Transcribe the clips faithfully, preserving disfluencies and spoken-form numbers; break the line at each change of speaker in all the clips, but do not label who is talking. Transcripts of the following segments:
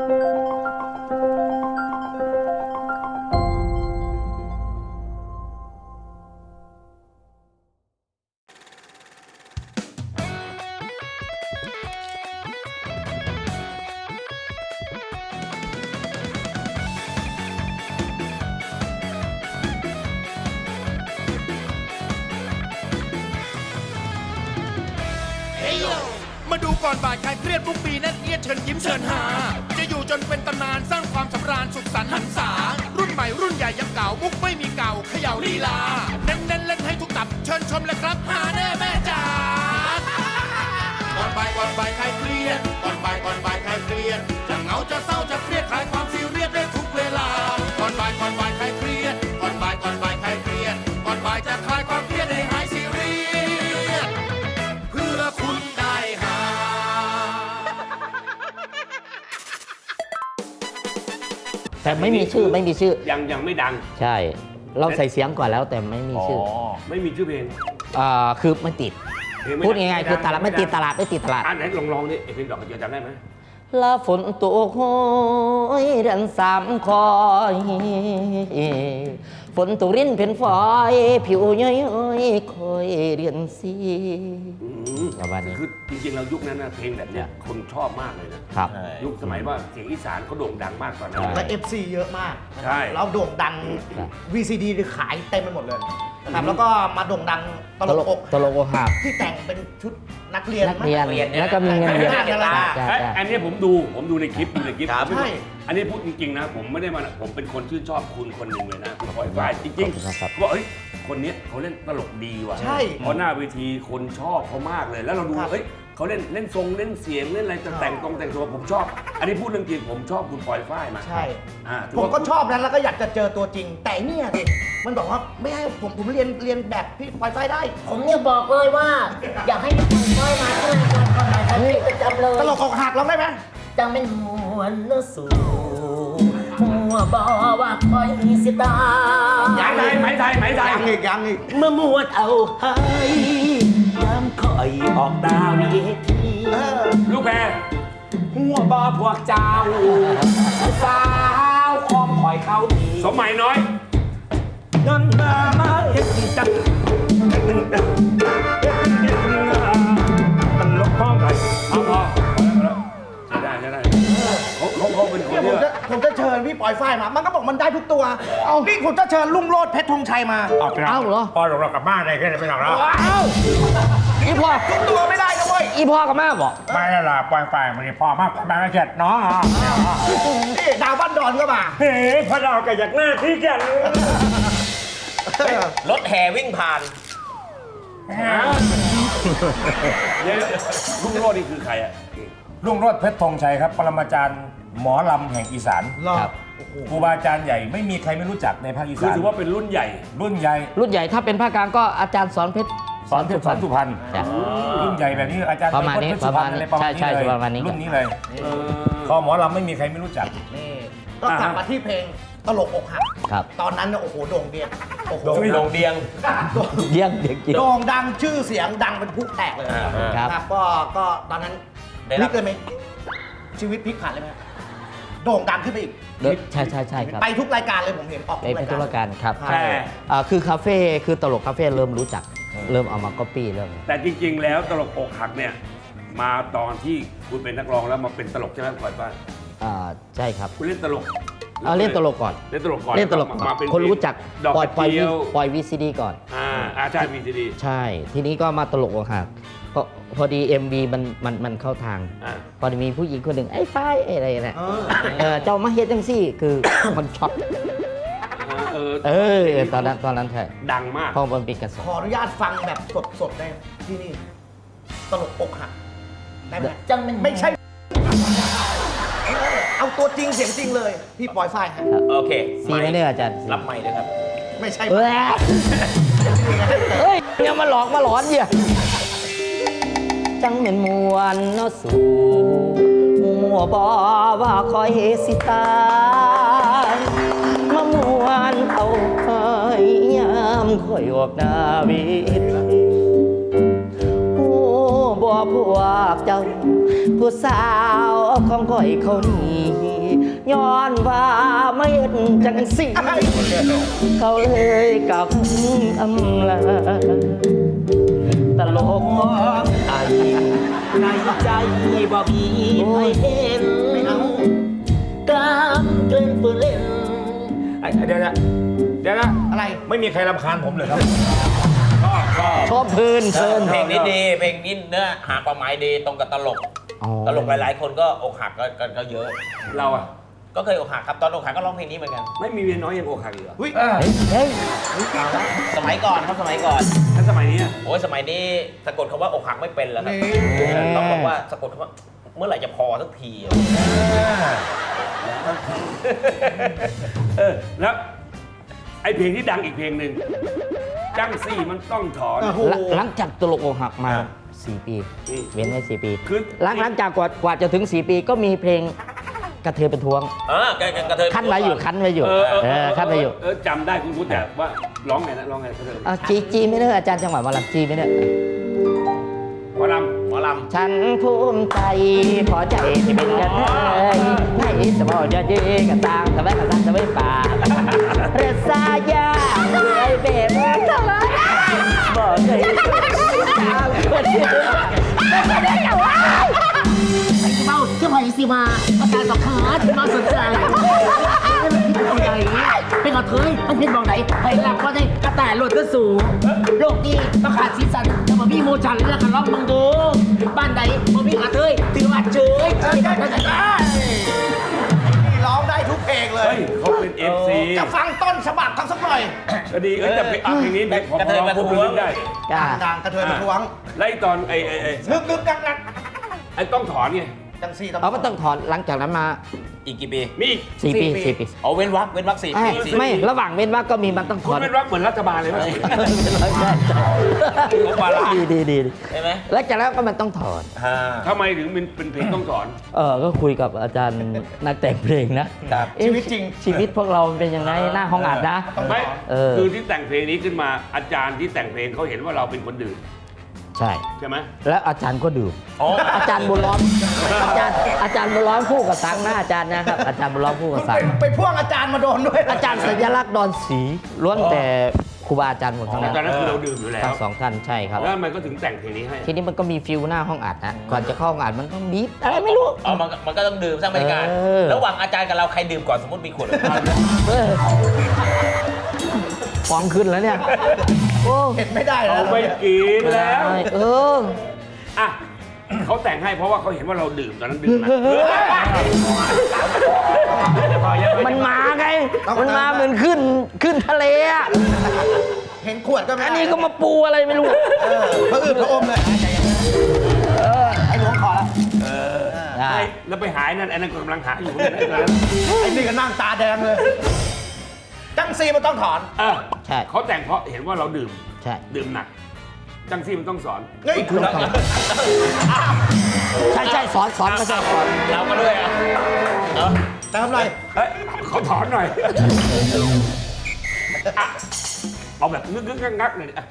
มาดูก่อนบ่ายคลายเครียดทุกปีนั่นเอียดเชิญยิ้มเชิญหาจะอยู่จนเป็นตำนานสร้างความสำราญสุขสันต์หันษารุ่นใหม่รุ่นใหญ่ยังเก่ามุกไม่มีเก่าเขย่าลีลาเน้นเน้นเล่นให้ทุกตับเชิญชมเลยครับหาแน่แม่จ๋าก่อนบ่ายก่อนบ่ายคลายเครียดก่อนบ่ายก่อนบ่ายคลายเครียดจะเหงาจะเศร้าจะเครียดคลายความซีเรียสได้ทุกเวลาก่อนบ่ายก่อนบ่ายคลายเครียดก่อนบ่ายก่อนบ่ายคลายเครียดก่อนบ่ายจะคลายความเครียดให้หายซีเรียสเพื่อคุณได้หา
แต่ไม่มีชื่อไม่มีชื่อ
ยังยังไม่ดัง
ใช่เราใส่เสียงก่อนแล้วแต่ไม่มีชื่อ
ไม่มีชื่อเพลง
อ่าคือไม่ติดพูดง่ายๆคือตลาดไม่ติดตลาดไม่ติดตลาด
อ่านไหนลองลองดิเพลงดอกกระเจียวจำได้ไหม
ลาฝนตกโหยเดือนสามคอยฝนตกรินเป็นฝอยผิวย้อยๆคอยเรียนสีประมาณนี้
คือจริงๆเรายุคนั้นนะเพลงแบบเนี้ยคนชอบมากเลยนะครับยุคสมัยว่าเสียงอีสานเขาโด่งดังมากตอนนั้น
และ เอฟ ซี เยอะมาก
ใช่
แล้วโด่งดัง วี ซี ดี ขายเต็มไปหมดเลยนะครับแล้วก็มาโด่งดังตลกอก
ตลกอกหัก
ที่แต่งเป็นชุดนักเรียน
นักเรียนแล้วก็มีเงินเยอะ
อันนี้ผมดูผมดูในคลิปดูในคลิปใช่อันนี้พูดจริงๆนะผมไม่ได้มาผมเป็นคนชื่นชอบคุณคนหนึ่งเลยนะคุณปอยฝ้ายจริงๆว่าเอ้ยคนนี้เขาเล่นตลกดีว่ะ
ใช่
เพราะหน้าเวทีคนชอบเขามากเลยแล้วเราดูเฮ้ยเขาเล่นเล่นทรงเล่นเสียงเล่นอะไรแต่งตรงแต่งตัวผมชอบอันนี้พูดเรื่องจริงผมชอบคุณปอยฝ้ายมา
ใช่ผมก็ชอบนั้นแล้วก็อยากจะเจอตัวจริงแต่เนี่ยดิมันบอกว่าไม่ให้ผมผมเรียนเรียนแบบพี่ปอยฝ้ายได้
ผมเนี่ยบอกเลยว่าอยากให้พี่ปอยฝ้ายมาที่รายการก่อนหน่อยครับประจำเลย
ตลกอกหักเราได้ไหม
จังเป็นมวลนสู่หัวบ่ว่าคอยสิตา
ยังไงไหมไทยไหมไทย
ยังอีกยังอีก
เมื่อมวดเอาให้ย้ำคอยออกดาวเวที
ลูกแพร
หัวบ่พวกเจ้าสาวคอมคอยเข้าดี
สมัยน้อย
นั่นมามาเฮ็ดดีจัง
มันลบห้องไปเอาพอใช่ได้ใช่ได้เขาเขาเขาเป็นคน
ผมจะผมจะเชิญพี่ปอยฝ้ายมามันก็บอกมันได้ทุกตัวเอาพี่ผมจะเชิญลุงโรดเพชรธงชัยมา
เอ้าเหรอ
พอเรากลับบ้านได้แค่ไหนไม่หลังแล้ว
เอ้าอีพ่อทุกตัวไม่ได้นะเว้ย
อีพ่อกับแม่บอก
ไม่ละล่ะปอยฝ้ายมันพ่อมากแม่เจ็ดน้อง
นี่ดาวบ้านดอนก็มา
เฮ้ยพอดาวกับอยากหน้าที่แก่
รถแห่วิ่งผ่าน
ลุงโรดนี่คือใครอ่ะ
ลุงโรจน์เพชรธงชัยครับปรมาจารย์หมอลำแห่งอีสาน
ครับ
ครูบาอาจารย์ใหญ่ไม่มีใครไม่รู้จักในภาคอีสาน
คือถือว่าเป็นรุ่นใหญ่
รุ่นใหญ่
รุ่นใหญ่ถ้าเป็นภาคกลางก็อาจารย์สอนเพชร
สอนเพชรสอนสุพรรณรุ่นใหญ่แบบนี้อาจารย์
ประมาณนี้ประมาณนี้ใช่ใช่ประมาณนี้
รุ่นนี้เลยคอหมอลำไม่มีใครไม่รู้จัก
นี่ก็กลับมาที่เพลงตลกอกหักตอนนั้นโอ้โหโด่งเดียง
โอ้โหโด่งเดียง
เดียงเดียง
โด่งดังชื่อเสียงดังเป็นผู้แตกเลยครับก็ก็ตอนนั้นพลิกเลยไหมชีวิตพลิกผันเลยไหมโด่งดังขึ้นไปอีก
ใช่ใช่ใช่ครับ
ไปทุกรายการเลยผมเห็นออก
ไปทุกรายการครับใช่คือคาเฟ่คือตลกคาเฟ่เริ่มรู้จักเริ่มเอามาก๊อปปี้เริ่ม
แต่จริงๆแล้วตลกอกหักเนี่ยมาตอนที่คุณเป็นนักร้องแล้วมาเป็นตลกใช่ไหมก่อนป้า
อ่าใช่ครับ
คุณเล่นตลก
เอาเล่นตลกก่อน
เล่นตลกก่อน
เล่นตลกมาเป็นคนรู้จักปล่อยปล่อยปล่อยวีซีดีก่อน
อ่าอาใช่วีซีดี
ใช่ทีนี้ก็มาตลกอกหักพอพอดี เอ็ม วี มันมันมันเข้าทางพอดีมีผู้หญิงคนหนึ่งไอ้ฝ้ายอะไรนะเจ้ามาเฮ็ดจังซี่คือมันช็อตเออตอนนั้นตอนนั้นใช่
ดังมาก
พอมันเป็นกระแส
ขออนุญาตฟังแบบสดๆได้ที่นี่ตลกอกหักได้ไหม
จังมัน
ไม่ใช่เอาตัวจริงเสียงจริงเลยพี่ปอยฝ้ายครับ
โอเค
ซีไม่ได้อาจารย์
รับไม่เลยครับ
ไม่ใช่
เฮ้ยเนี่ยมาหลอกมาหลอนเหี้ยจังเหม็นมวนเนาะสู่มัวบ่ว่าคอยเฮสิตามามวนเอาคอยยามคอยออกหน้าเวทีโอ้บ่พวกเจ้าผู้สาวของคอยเขานี่ย้อนว่าไม่เห็นจังสิเขาเลยกับอำลาตลกไอ้ในใจบ่มีไม่เห็นไม่เอาการเกินเปืนเล่น
ไอ้เดี๋ยวนะเดี๋ยวนะ
อะไร
ไม่มีใครรำคาญผมเลยครับ
ชอบเพลินเพลิน
เพลงนี้ดีเพลงนี้เนื้อหาความหมายดีตรงกับตลก
อ๋อ
ตลกหลายๆ คนก็อกหักก็ก็ก็เยอะ
เราอะ
ก็เคยอกหักครับตอนอกหักก็ร้องเพลงนี้เหมือนกัน
ไม่มีเมียน้อยยังอกหักอีกเหรอ
อุ้ย
เฮ้ย
สมัยก่อนครับสมัยก่อน
ถ้าสมัยนี้อะ
โอ้ยสมัยนี้สะกดคำว่าอกหักไม่เป็นแล้วครับ
นี่
ต้องบอกว่าสะกดคำว่าเมื่อไหร่จะพอสักทีอะ
เออแล้วไอเพลงที่ดังอีกเพลงหนึ่งจังสี่มันต้องถอน
โอ้โห
หลังจากตลกอกหักมาสี่ปี
อืม
เว้นไว้สี่ปี
คือ
หลังหลังจากกว่ากว่าจะถึงสี่ปีก็มีเพลงกระเทยเป็นทวง
เออกระกระเทย
คั้นไว้อยู่คั้นไว้อยู่
เออเออ
เออคั้นไว้อยู่
เออจำได้คุณพูดแต่ว่าร้องไงนะร้องไงเขาเถอะ
เอาจีจีไม่ได้อาจารย์จังหวัดวาลังจีไม่ได้
หมอล
หมอล
ฉันภูมิใจพอใจที่เป็นกระเทยให้สมองจะยืนกันต่างทำไมกันต่างทำไมป่าเรศายาเลยเบ็ดทำไมบอกเลยตามคนเดียวไม่ได้จะว่า
เมาเชื่อพอยสิมาอาการกับขาดมาสนใจเป็นอะไรอย่างนี้เป็นกระเทยมันเป็นบอกไหนไอ้หลักก็ได้กระต่ายโหลดก็สูงโลกนี้ต้องขาดสีสันแต่มาพี่โมจันแล้วกันร้องมึงดูบ้านไหนมาพี่กระเทยถือว่าเฉยเฉยกันได้
นี่ร้องได้ทุกเพลง
ำ
เล
เฮ้
ย
ยเขาเป็น เอฟ ซี
จะฟังต้นฉบับทั้งสักหน่อย
ก็ดีเอ้ยแต่เพลงอ่ะเพลงนี้เพลงของเราพวกคุณนึกได้
จ้า
ดังกระเทยมาทวง
ไล่ตอนไอ้ไอ้ไอ้
นึกนึกกักนัก
ไอ้ต้องถอนไง
จังสี่ต้อง
เอามันต้องถอนหลังจากนั้นมา
ำอีกกี่ปี
มีอีก
สี่ปีสี่ปี
เอาเว้นวักเว้นวักสี่
ไม่
ปีสี่
ไม่ระหว่างเว้นว่างก็มีมันต้องถ
คุณ
อน
เป็นรักเหมือนรัฐบาลเลยไหม
ดีดีดีดี
ใช่ไหม
แล้วจากนั้นก็มันต้องถอน
ฮ่า
ทำไมถึงเป็นเป็นเพลงต้องถอน
เออก็คุยกับอาจารย์นักแต่งเพลงนะเอ๊ะ
ชีวิตจริง
ชีวิตพวกเรามันเป็นยังไงหน้าห้องอัดนะ
ไม่
เออ
คือที่แต่งเพลงนี้ขึ้นมาอาจารย์ที่แต่งเพลงเขาเห็นว่าเราเป็นคนดื่ม
ใช่
ใช่ไหม
แล้วอาจารย์ก็ดื่ม
อ๋อ
อาจารย์บุญล้อมอาจารย์อาจารย์บุญล้อมคู่กับตังหน้าอาจารย์นะครับอาจารย์บุญล้อมคู่กับ
คุณ
ตั
ไป
ง
ไปพ่วงอาจารย์มาโดนด้วย
อาจารย์สัญลักษณ์ดอนศรีล้วนแต่ครูบาอาจารย์หมดทั้งนั้น
ตอนนั้นคือเราดื่มอยู่แล้ว
ทั้งสองท่านใช่ครับ
แล้วทำไมก็ถึงแต่งเพลงนี้ให้
ทีนี้มันก็มีฟิลหน้าห้องอัดนะก่อนจะเข้าห้องอัดมันต้องบีบอะไรไม่รู้
เอามันมันก็ต้องดื่มสร้างบรรยากาศ
เออ
ระหว่างอาจารย์กับเราใครดื่มก่อนสมมติมีขวด
เออฟองขึ้นแล้วเนี่ยโอ้
เห็นไม่ได้แล้ว
เอาไปกินแล้ว
เออ
อ่ะเขาแต่งให้เพราะว่าเขาเห็นว่าเราดื่มตอนนั้นดื่มนะ
มันมาไง มันมาเหมือนขึ้นขึ้นทะเลอ่ะ
เห็นขวดก็ไม่ได้
อันนี้ก็มาปูอะไรไม่รู้
เออพระอืดพระอมเลยไอ้หลวงขอแล้ว
ใช่แล้วไปหายนั่นไอ้นั่นก็กำลังหาอยู่เนี่ยตอนนั้น
ไอ้นี่ก็นั่งตาแดงเลย จังซีมันต้องถอน
เออ
ใช่
เขาแต่งเพราะเห็นว่าเราดื่ม
ใช่
ดื่มหนัก จังซี่มันต้องสอน
เฮ้ยคุณ
ใช่ใช่สอนสอนก็ใช่สอน
เราก็ด้วยอ่ะเออ
แต่ทำไร
เฮ้ยเขาถอนหน่อยอ่ะเอาแบบงึกงึกงักงักหน่อยดิอ่ะ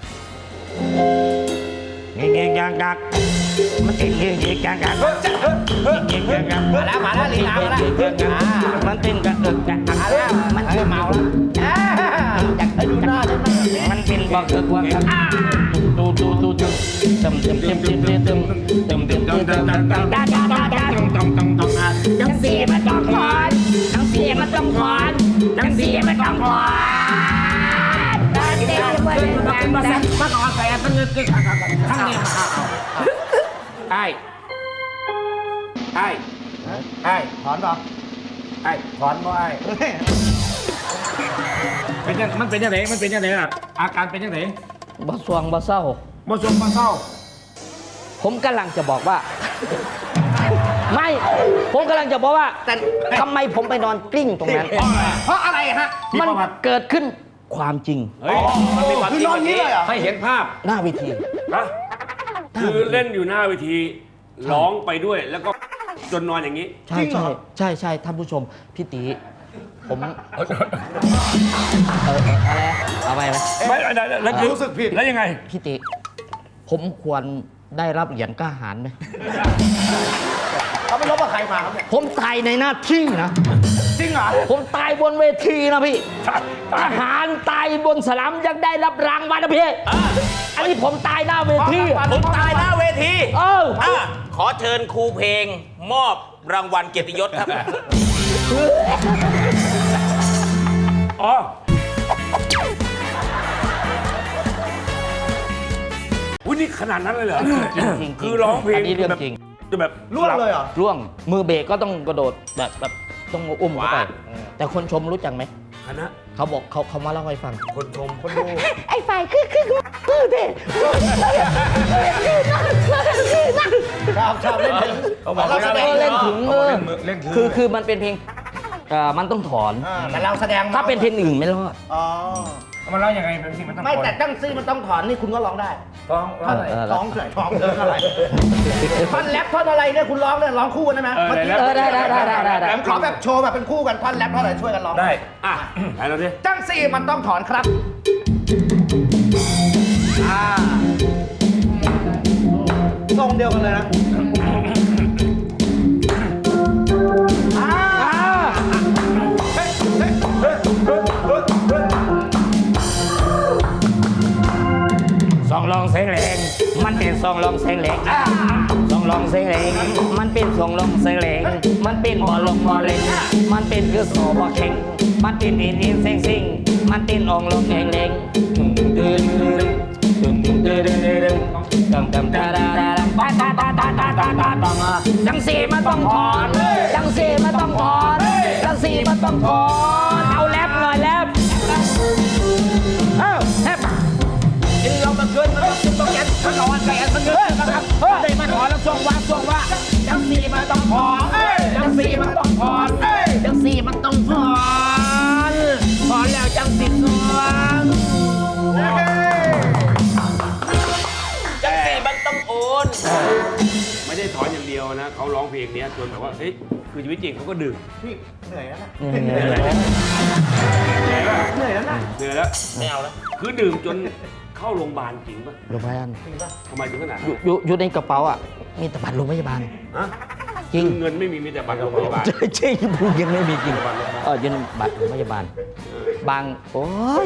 เงี้ยเงี้ยงักงักมันติดเงี้ยเงี้ยงักงักเงี้ยเงี้ยงัก
มาแล้วมาแล้วลีลามาแล้วอ่า
มันเป็นกระเอิกกระอัก
มาแล้ว
มัน
เออเมาแล้วอ่าอยากให้ดูหน้าได้ไหม
มันเป็นบอกเอิกว่าตูตูตูตูตึมตึมตึมตึมตึมตึมตึมตึมตึมตึมตึมตึมดาดาดาดาทั้งสี่มันต้องถอนทั้งสี่มันต้องถอนทั้งสี่มันต้องถอนทั้งสี่มันต้องถอน
มาก่อนแต่ตั้งเงินเกินทั้งนี้มา
ไอ้ไอ้
ไอ้ถอนป่ะ
ไอ้ถอนบ่ไอ้
เป็นยังมันเป็นยังไงมันเป็นยังไงล่ะ อาการเป็นยังไง
บ่สวงบ่เศร้า
บ่ชมบ่เศร้า
ผมกำลังจะบอกว่า ไม่ ผมกำลังจะบอกว่า แต่ทำไมผมไปนอนกลิ้งตรงนั้น
เพราะอะไรฮะ
มันเกิดขึ้นความจริง
เฮ้ย
มันมีความ
คือ
จริ
น
ง
อน
แบบ
นี้
นี้
เลยเหรอ
ให้เห็นภาพ
หน้าเวที
นะคือเล่นอยู่หน้าเวทีร้องไปด้วยแล้วก็จนนอนอย่างนี้
ใช่ใช่ใช่ใช่ท่านผู้ชมพี่ตีผมเออเอออะไรนะเอาไปไหม
ไม่แล้วคือ
รู้สึกผิด
แล้วยังไง
พี่ติผมควรได้รับเหรียญกล้าหาญไหม
เขาไปลบกับใครมาครับเนี่ย
ผมตายในหน้าที่นะ
จริงเหรอ
ผมตายบนเวทีนะพี่ทหารตายบนสนามยังได้รับรางวัลนะพี่อันนี้ผมตายหน้าเวที
คุณตายหน้าเวที
เออ
อ่ะขอเชิญครูเพลงมอบรางวัลเกียรติยศครับ
อ๋ออุ้ยนี่ขนาดนั้นเลยเหรอ
จริงๆ
คือร้องเพลง
อันนี้เรื่อง
แบบ
จริง
จะแบบ
ร่วงเลยเหรอ
ร่วงมือเบรกก็ต้องกระโดดแบบแบบต้องอุ้มเข้าไป
ว้า
แต่คนชมรู้จักไหม
คณะ
เขาบอกเขาเขามาเล่าให้ฟัง
คนชม
คนดู
ไอ้ฝ่ายคือคือคือเด็
ชอบชอบเล่นถึง
เขาบอก
เราแสดง
เล่นถึง
เขา
เอ
บอก
อ
เล่นมือเล่นถือ
คือคือมันเป็นเพลงเอ่อมันต้องถอน
อ่าแต่เราแสดง
ถ้าเป็นเพลงอื่นไม่รอด
อ๋อ
มันเล่ายังไงเป็นสิมันต้อง
ไม่แต่ตั้งซื่อมันต้องถอนนี่คุณก็ร้องได้
ท้องเล่าอะไร
เออ
ร้องเฉยร้องเดินอะไรท่อนแรปท่อนอะไรเนี่ยคุณร้องเนี่ยร้องคู่กันได้ไหม
เออ
เมื่อกี้
เออได้ได้ได้ได้ได้ได้
ผมขอแบบโชว์แบบเป็นคู่กันท่อนแรปท่อนอะไรช่วยกันร้อง
ได้
อ่ะไหนเราดิ
ตั้งซี่มันต้องถอนครับอ่าทรงเดียวกันเลยนะอ่า
ซองลองเสียงแรงมันเป็นซองลองเสียงแรงซองลองเสียงแรงมันเป็นซองลองเสียงแรงมันเป็นบอลลงบอลเล็งมันเป็นคือโซบอเข่งมันเป็นดินดินเซ็งซิงมันเป็นอองลองแรงแรงดึงดึงดึงดึงดึงดึงดึงดึงดำดำดาดาดาดาดาดาดาดาดาดาดาจังสีมันต้องถอนจังสีมันต้องถอนจังสีมันต้องถอนเอาแรปหน่อยแรปเอ้าแรป
กินเรามาเกินมันต้องกินต้องแกนมันนอนแกนมันเงินนะครับได้มาถอนแล้วส่งว่าส่งว่าจังสีมันต้องถอนจังสีมันต้องถอนจังสีมันต้องถอนถอนแล้วจังสีสวง
จังสีมันต้องโอน
ไม่ได้ถอนอย่างเดียวนะเขาร้องเพลงเนี้ยจนแบบว่าเฮ้ยคือชีวิตจริงเขาก็ดื่ม
พี่เหนื่อยแล้วนะ
เหนื่อย
เหนื่อยแล้ว
เหนื่อยแล้วนะ
เหนื่อยแล้ว
ไม่เอาแล้ว
คือดื่มจนเข้าโรงพยาบาลจริงป่ะ
โรงพยาบาล
ทำไมถึงขนาด
อ
นั้น
ยู่อยู่อยู่ในกระเป๋าอ่ะ มีแต่บัตรโรงพยาบาล
ฮะ
จริง
คือเงินไม่มีมีแต่บัตรโรงพยาบาล
ใช่ใช่พูดยังไม่มีจริงเอออยืนบัตรโรงพยาบาล บาง โอ้ย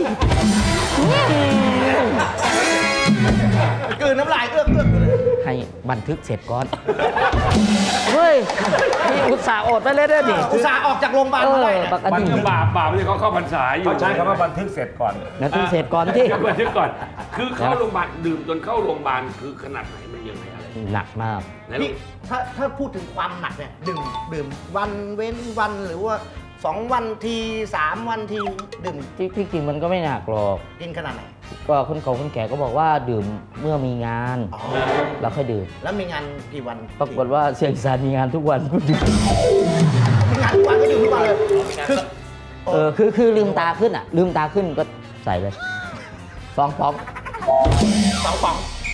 กลืนน้ำลายเอื้อกเอื้อกอยู่เลย
ให้บันทึกเสร็จก่อน เฮ้ย นี่อุตส่าห์อดไปเลยเด้อดิ
อุตส่าห์ออกจากโรงพยาบาล
เอ
มา
อ
ได้เนี่ย
ปก
มัน
ติ
ก็บาปบาปเลยเขาเข้าพรรษาอยู่
เขาใช้คำว่าบันทึกเสร็จก่อน
บันทึกเสร็จก่อนที่
บันทึกก่อน คือเข้าโรงพยาบาลดื่มจนเข้าโรงพยาบาลคือขนาดไหนมันยังไงอะไร
หนักมาก
ไหน
พี่ถ้าถ้าพูดถึงความหนักเนี่ยดื่มดื่มวันเว้นวันหรือว่าสองวันทีสามวันทีดื่ม
ที่ที่จริงมันก็ไม่หนักหรอก
กินขนาดไหน
ก็คนเก่าคนแก่ก็บอกว่าดื่มเมื่อมีงาน
อ๋อ
แล้วค่อยดื่ม
แล้วมีงานกี่วัน
ปรากฏว่าเสียงอีสานมีงานทุกวันก็ดื่ม
มีงานทุกวันก็ดื่มทุกวันเลยคือ
เออคือคือลืมตาขึ้นอ่ะ ลืมตาขึ้นก็ใส่เลยฟองฟอง
สองป๋อง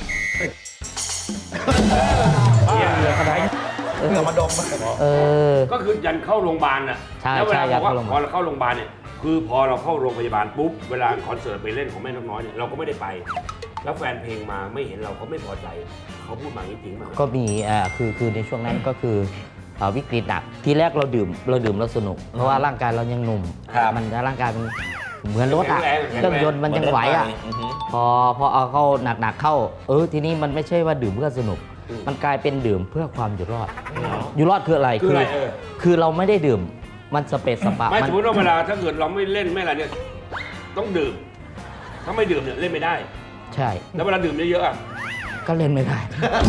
เยี่ยมเลย
เออ
เหงื่อมาดม
เออ
ก็คือยันเข้าโรงพยาบาลน่ะ
ใช่
แล้วเวลา
ใช่
บอกว่า
ยัน
พ
เข้า
อ
โรงพยาบาล
เราเข้าโรงพยาบาลเนี่ยคือพอเราเข้าโรงพยาบาลปุ๊บเวลาคอนเสิร์ตไปเล่นของแม่นกน้อยเนี่ยเราก็ไม่ได้ไป แล้วแฟนเพลงมาไม่เห็นเราเขาไม่พอใจเขาพูดมาอย่างนี้จริงมั้ย
ก็มีอ่าคือคือในช่วงนั้นก็คืออ่าวิกฤตหนักทีแรกเราดื่มเราดื่มเราสนุก เพราะว่าร่างกายเรายังหนุ่ม
ครับ
มันร่างกายมันเหมือนรถอ่ะ
แข็งแรงแข็งแรง
เครื่องยนต์มันยังไหวอ่ะ
อือฮึ
พอพอเอาเข้าหนักๆเข้า เออทีนี้มันไม่ใช่ว่าดื่มเพื่อสนุก มันกลายเป็นดื่มเพื่อความอยู่รอด อยู่รอดคืออะไร
คืออะไรเออ
คือเราไม่ได้ดื่มมันสเปซสปะ
ไม่
มั
สมมติว่าเวลาถ้าเกิดเราไม่เล่นไม่อะไรเนี่ยต้องดื่ม ถ้าไม่ดื่มเนี่ยเล่นไม่ได้
ใช่
แล้วเวลาดื่มเยอะๆอ่ะ
ก็เล่นไม่ได้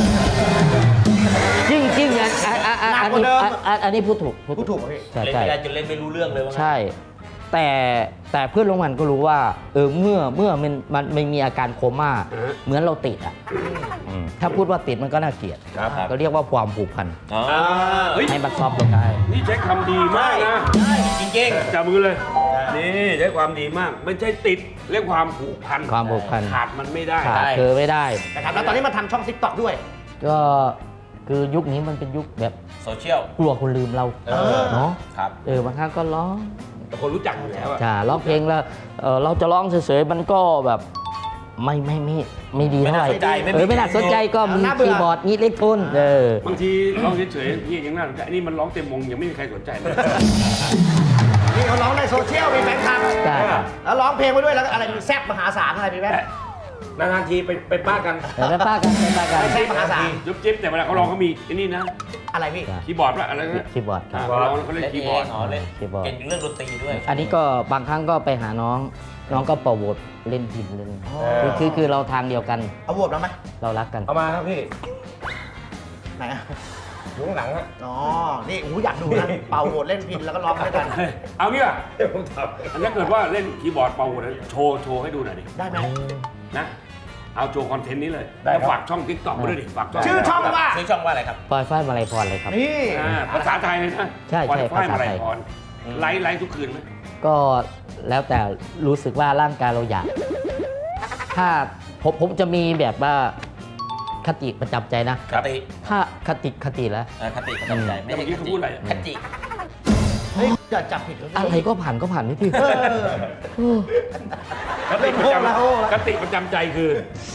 จริงจริงอันอันอันอันนี้อันอันนี้พูดถูก
พูดถูกป่ะพี่
ใช่
เล่น
ใช่
ไม่ได้จนเล่นไม่รู้เรื่องเลยว่างั้น
ใช่ แต่แต่เพื่อนโรงพยาบาลก็รู้ว่า เออเมื่อเมื่อมันมันไม่มีอาการโคม่า
อือฮะ
เหมือนเราติดอ่ะอืมถ้าพูดว่าติดมันก็น่าเกลียด
ครับ
ก็เรียกว่าความผูกพัน
อ๋อ
อ่าเฮ้ย
ให้มันซอฟต์ลงได้
นี่ใช้คำดีมากนะ
ใช่จริง
จับมือเลย นี่ใช้ความดีมาก ไม่ใช่ติดเรียกความผูกพัน
ความผูกพัน
ขาดมันไม่ได้
ขาดเธอไม่ได้
นะครับแล้วตอนนี้มาทำช่อง ติ๊กต็อก ด้วย
ก็คือยุคนี้มันเป็นยุคแบบ
ๆ โซเชียล
กลัวคนลืมเรา
เออ
เนาะ
ครับ
เออบางครั้งก็ร้อง
แต่คนรู้จักอยู่แล้วอะ
จ้าร้องเพลงแล้วเออเราจะร้องเฉยๆมันก็แบบไม่ไม่ไม่ไม่ดีเท่าไหร่
ไม่น่าสนใจไม่มี
เออไม่น่าสนใจก็มี
น่าเบื่อ
คีย์บอร์ดมีเล็กโทนเออบ
างทีร้องเฉยๆพี่ยังน่าสนใจอันนี้มันร้องเต็มวงยังไม่มีใครสนใจเลย
นี่เขาร้องในโซเชียลมีแฟนคลับ
ใช่ครับ
แล้วร้องเพลงไปด้วยแล้วก็อะไรมีแซ่บมหาศาลอะไรมีไหม
นานๆทีไปไปป้ากัน
เดี๋ยวไปป้ากันไปป้ากัน
แซ่บมหาศาล
จุ๊บจิ๊บแต่เวลาเขาร้องเขามีไอ้นี่นะ
อะไรพี่
คีย์บอร์ดว่าอะไรนะ
คีย์บอร์ดครับ
เขาร้องแล้วเขาเล่น
เล่น
คีย์
เอบ
อร์
ง
ด
อ๋อเล่น
คีย์บอร์ด
เก่งเรื่องดนตรีด้วย
อันนี้ก็บางครั้งก็ไปหาน้อง น้องก็เป่าโหวตเล่นพินเล่นคือคือคือเราทางเดียวกัน
เอาบวบแล้วไหม
เรารักกัน
เอามาครับพี่
ไหนอะ
อยู่ข้างหลังฮะ
อ๋อ นี่โอ้โหอยากดูนะ เป่าโหดเล่นพินแล้วก็ร้องด้วยกัน
เฮ้ยเอางี้ป่ะ
เดี๋ยวผมท
อันนี้เกิดว่าเล่นคีย์บอร์ดเป่าหัวนะโชว์โชว์ให้ดูหน่อยดิ
ได้ไหม
นะเอาโชว์คอนเทนต์นี้เลยแล้วฝากช่องทิกตอกมาด้วยดิฝากช่อง
ชื่อช่องว่า
ชื่อช่องว่าอะไรครับ
ปล่อยฝ้ายมาลัยพรเลยครับ
นี่
อ่าภาษาไทยเลยนะ
ใช่ใช่
วันฝ้าย
ภาษา
มา
ไท
ลั
ย
ยพรไลฟ์ไลฟ์ทุกคืนไหม
ก็แล้วแต่รู้สึกว่าร่างกายเราอยาก ถ้าผมผมจะมีแบบว่าคติประจำใจนะ
คติ
ถ้าคติคติแล้ว
เออคติประจำใจไม่
แต่
ใช่
เมื่อกี้เขาพูดอะไร
คติ
เฮ้ยอย่าจับผิดเขาสิ
อะไรก็ผ่านก็ผ่านไม่พี่
เออ
คติประจ
เริ่มโหละโหละ
ำคติประจำใจคือ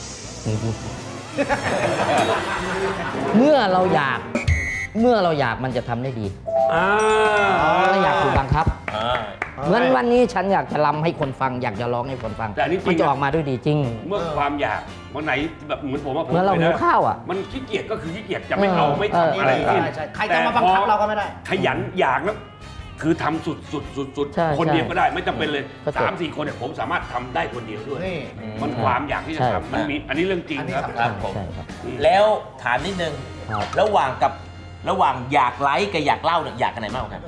เมื่อเราอยาก เมื่อเราอยากมันจะทำได้ดี
อ่า
ถ้าอยากถูกบังคับ
อ่า
เหมือนวันนี้ฉันอยากจะรำให้คนฟัง อยากจะร้องให้คนฟัง
แต่อันนี้จริง
มันจะ
นะ
ออกมาด้วยดีจริง
เมื่อความอยากวันไหนแบบเหมือนผมว่าผม
เหมื่อนเรา
ไป
หิว
นะ
ข้าวอ่ะ
มันขี้เกียจก็คือขี้เกียจจะไม่เอา
เออ
ไม่
เออ
ทำอะไร
ใช่
กิน
ใช่ใครจะมาบังคับเราก็ไม่ได้
ขยันอยากแล้วคือทำสุดสุดสุดสุด
ใช่
คนเดียว
ใช่
ก็ได้ไม่จำเป็นเลย
ก็จบ
สามสี่คนเนี่ยผมสามารถทำได้คนเดียวด้วย
นี่
มันความอยากที่จะ
ใช่
ทำมันมีอันนี้เรื่องจริง
อันนี้
ครับ
สำ
ค
คั
รั
ญ
บผม
ใช่ครับ
แล้วถามนิดนึง
ครับ
ระหว่างกับระหว่างอยากไลค์กับอยากเล่าเนี่ยอยากกันไหนมากกว่ากัน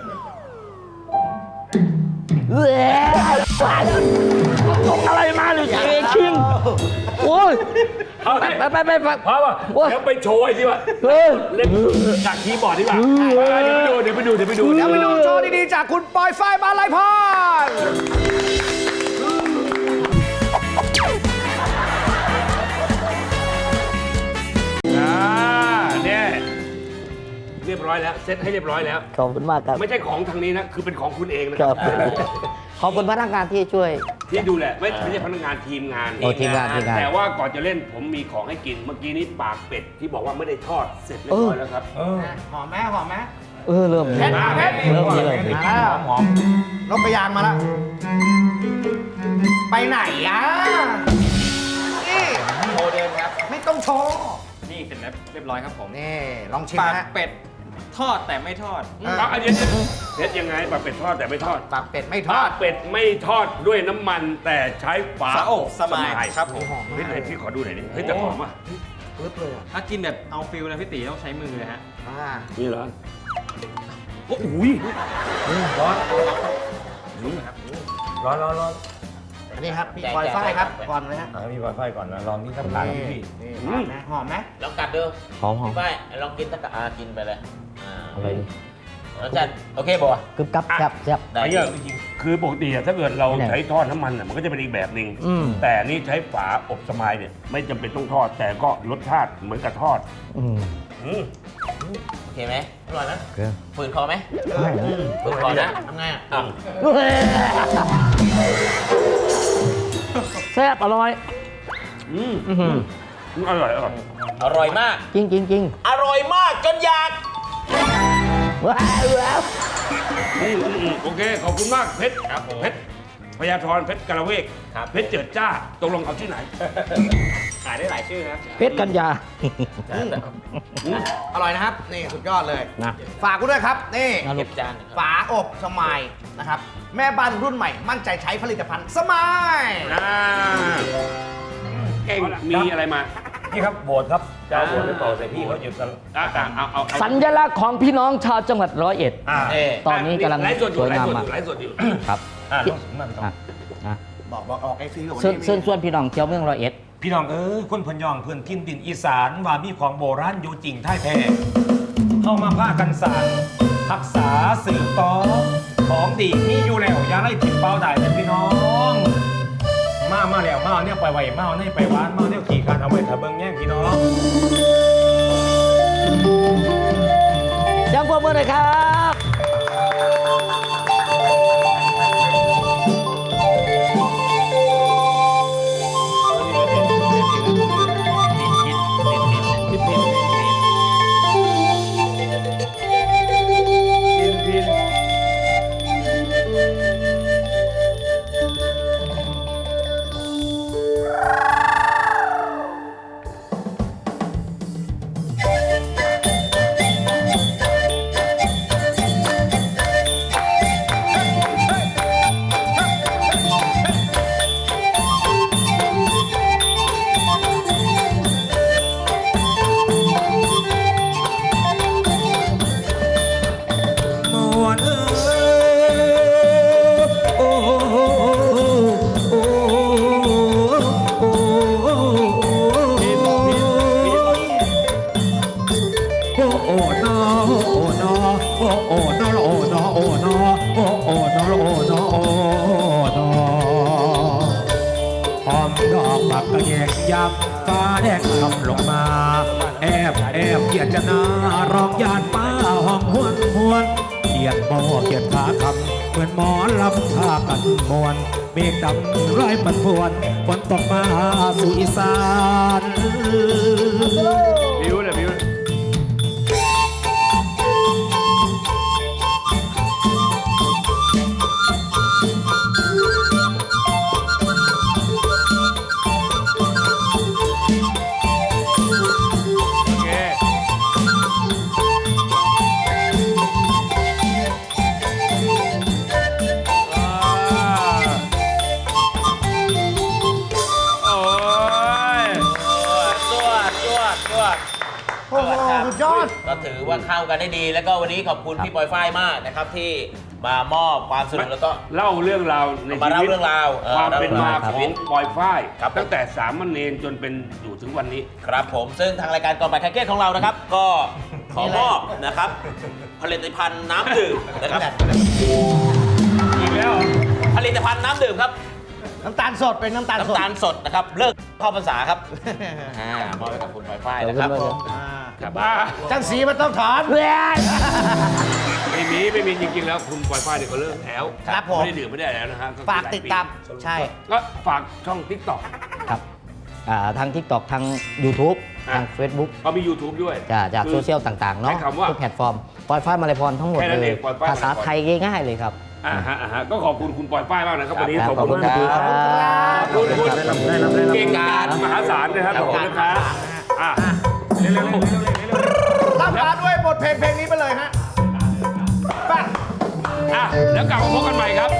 อะไรมาหรือเอคิงโอ้ย
เอา
ไป
ดิ
ไปไปไป
พอป่ะ
โอ้ย
เดี๋ยวไปโชว์ไอ้ที่ว่า
เฮ้ย
เล่นจากคีย์บอร์ดดีกว่าเดี๋ยวไปดูเดี๋ยวไปดูเดี๋ยวไปดู
เดี๋ยวไปดูโชว์ดีๆจากคุณปอยฝ้ายมาลัยพร
อ่าเนี่ยเรียบร้อยแล้วเซ็ตให้เรียบร้อยแล้ว
ขอบคุณมากครับ
ไม่ใช่ของทางนี้นะคือเป็นของคุณเองนะ
ค
ค
รั
รั
บบ ขอบคุณพนักงานที่ช่วย
ที่ดูแลไม่ไม่ใช่พนักงานทีมงาน
โอ้ทีมงานทีมงาน
แต่ว่าก่อนจะเล่นผมมีของให้กินเมื่อกี้นี้ปากเป็ดที่บอกว่าไม่ได้ทอดเสร็จเรียบร้อยแล้วครับ
ำเออ
หอมไหมหอมไหม
เออเริ่ม
เพชรเพชร
เริ่มนี้เลย
มาแล้ว
หอม
นกกระยางมาแล้ว ไปไหนอ่ะนี่โชว์เดินครับ ไม่ต้องโชว์
นี่เสร็จแล้วเรียบร้อยครับผม
นี่ ลองชิม
ปาก
นะฮะ
เป็ดทอดแต่ไม่ทอด
เออ
เอาอันนี้เพชรยังไงปากเป็ดทอดแต่ไม่ทอด
ปากเป็ดไม่ท
ปา
อด
กเป็ดไม่ทอดด้วยน้ำมันแต่ใช้ฝา
ฝาอบสมาย
ส
ครับผม
เฮ้ยไหนพี่ขอดูหน่อยดิเฮ้ยแต่หอมอ่ะ
ปึ๊บเลยอ่ะ
ถ้ากินแบบเอาฟิลนะพี่ตีต้องใช้มือเลยฮะ
อ่า
นี่เหรอโอ้โหย
ร้อนร้อนร้อนร้อน
อันนี้ครับพี่ปอยฝ้ายครับ ก่อนเลยฮะ
อ่ะมีไวไฟก่อนนะลองนี่สักผ่านพี่
นี่หอมไหมหอมไหม
ลองกัดดู
หอมหอม
พี่ฝ้ายลองกินสักกะอากินไปเลยอ่า
อะไรดิ
รสชาติโอเคบ่ะ
กึบกับแซ่บแซ่บ
ได้
ไอ้เหี้ยคือปกติอะถ้าเกิดเรา
เนี่ย
ใช้ทอดน้ำมันอะมันก็จะเป็นอีกแบบหนึ่ง
อืม
แต่นี่ใช้ฝาอบสมายเนี่ยไม่จำเป็นต้องทอด แต่ก็รสชาติเหมือนกับทอด
อืม
อืม
โอเคไหมอร่อยนะ
โอเค
ฝืนคอไหม
ไม่นะ
ฝืนคอนะทำไงอ่ะอ้าว
แซ่บอร่อย
อืม
อื้อหือ
อืมอร่อยอร่อย
อร่อยมาก
จริงจริงจริง
อร่อยมากจนอยาก
ว้าวว้าว
อืมอืมอืมโอเค ขอบคุณมากเพชรเพชรพญาธรเพชรกระเวก
ครับ
เพชรเจิดจ้าตกลงเอาชื่อไหน
ขายได้หลายชื่อครับ
เพชรกัญญา
อร่อยนะครับ นี่สุดยอดเลย
นะ
ฝากกูด้วยครับ นี่
นะลู
เก็
ก
บจานนะครับ
ฝาอบสมายนะครับ แม่บ้านรุ่นใหม่ มั่นใจใช้ผลิตภัณฑ์สมาย
อ่าเก่งมีอะไรมา
พี่ครับโบสครับจะเอาโบสไปเป่าใส่พี่เขาหยุดกัน
อ่ะอ่ะเอาเอาเอา
สัญลักษณ์ของพี่น้องชาวจังหวัดร้อยเอ็ด
อ่า
เอ๊ะ
ตอนนี้กำลัง
ไลฟ์สดอ
ส
ยู่
วย
ไล
งาม
ฟ์สดอ
มาก
ยู่ไลฟ์สดอยู่
ครับ
อ่า
ที่
นั่นค
อ่ะ
รับ
อ่ะ
บอกบอกออกไอซีกับวัน
เชิญ
นี้
เชิญชวนพี่น้องเที่ยวเมืองร้อยเอ็ด
พี่น้องเอ้ยคนพนยองเพื่อนทินดินอีสานว่ามีของโบราณอยู่จริงท่ายแท้เข้ามาผ้ากันสานรักษาสืบต่อของดีมีอยู่แล้วอย่าไล่ถิ่นเป้าได้แต่พี่น้อง มามาแล้วมาเอาเนี่ยไปไว้มาเอาเนี่ยไปหวานมาเอาเนี่ยขี่คันเอาไว้ถ้าเบิ่งแย่งพี่น้อง
ยังพวกมือเลยครับ
โอ้นอโอ้นอโอ้โอ้นอโอ้นอโอ้นอหอมดอกผักกระแยงยับฟ้าแดงทำลงมาแอบแอบเกียดจะนาร้องยานป้าห้องหวนหวนเกียดโบเกียดขาคำเหมือนหมอลำท่ากันมวนเมฆดำร้อยปันพวนฝนตกมาสู่อีสาน
บิวเลยบิว
จวดจวดจวด
โอ้โหสุดยอด
ก็ถือว่าเข้ากันได้ดี แล้วก็วันนี้ขอบคุณพี่ปอยฝ้ายมากนะครับที่มามอบความสนุกแล้วก็
เล่าเรื่องราวใน
มา
ชี
เล่า
วิต
เรื่องราวเออ
ความเป็นมา
เล่า
ข
เรื่องราว
องปอยฝ้าย
ครับ
ตั้งแต่สามเณรจนเป็นอยู่ถึงวันนี้
ครับผมซึ่งทางรายการก่อนบ่ายคลายเครียดของเรานะครับ ก็ขอมอบนะครับ ผลิตภัณฑ์น้ำดื่มนะครับ
อีกแล้ว
ผลิตภัณฑ์น้ำดื่มครับ
น้ำตาลสดเป็นน้ำตาลสด
น้ำตาลสดนะครับ เลิกเข้าพรรษาครับอ่ามอบให้กับคุณปอยฝ้ายนะครับ
ขอบคุณมาก
อ่า
ครับบ้า
จังสีมันต้องถอนเพื่อน
ไม่มีไม่มีจริงๆแล้วคุณปอยฝ้ายเนี่ยก็เลิกแล้ว
ครับผม
ไม่ได้ดื่มไม่ได้แล้วนะฮะ
ฝากติดตามใช่
ก็ฝากช่องทิกตอก
ครับอ่าทาง TikTok ทาง YouTube
อ่ะ
ทาง Facebook
ก็มี YouTube ด้วย
จากจาก
คือ
โซเชียลต่างๆ เนาะ
ใช้คำว่า
ทุกแพลตฟอร์มปล่อยฟ้ามาลายพรทั้งหมด
แค่นั้น
เล
เอย งปล่อยฟ้า
ภาษา
มาลัยพร
ไทยง่ายๆเลยครับ
อ่าฮะอ่าฮะก็ขอบคุณคุณปอยฝ้ายมากนะครับวันนี้
ครับ
ขอบคุณ
ขอบ
มาก
คุณครับ
ขอบคุณคุณเก่งกาจมหาศาลนะครับขอบคุณนะครับอ่ะเร็วๆ
รับมาด้วยบทเพลงเพลงนี้ไปเลยฮะไป้า
ๆอ่ะแล้วกลับมาพบกันใหม่ครับ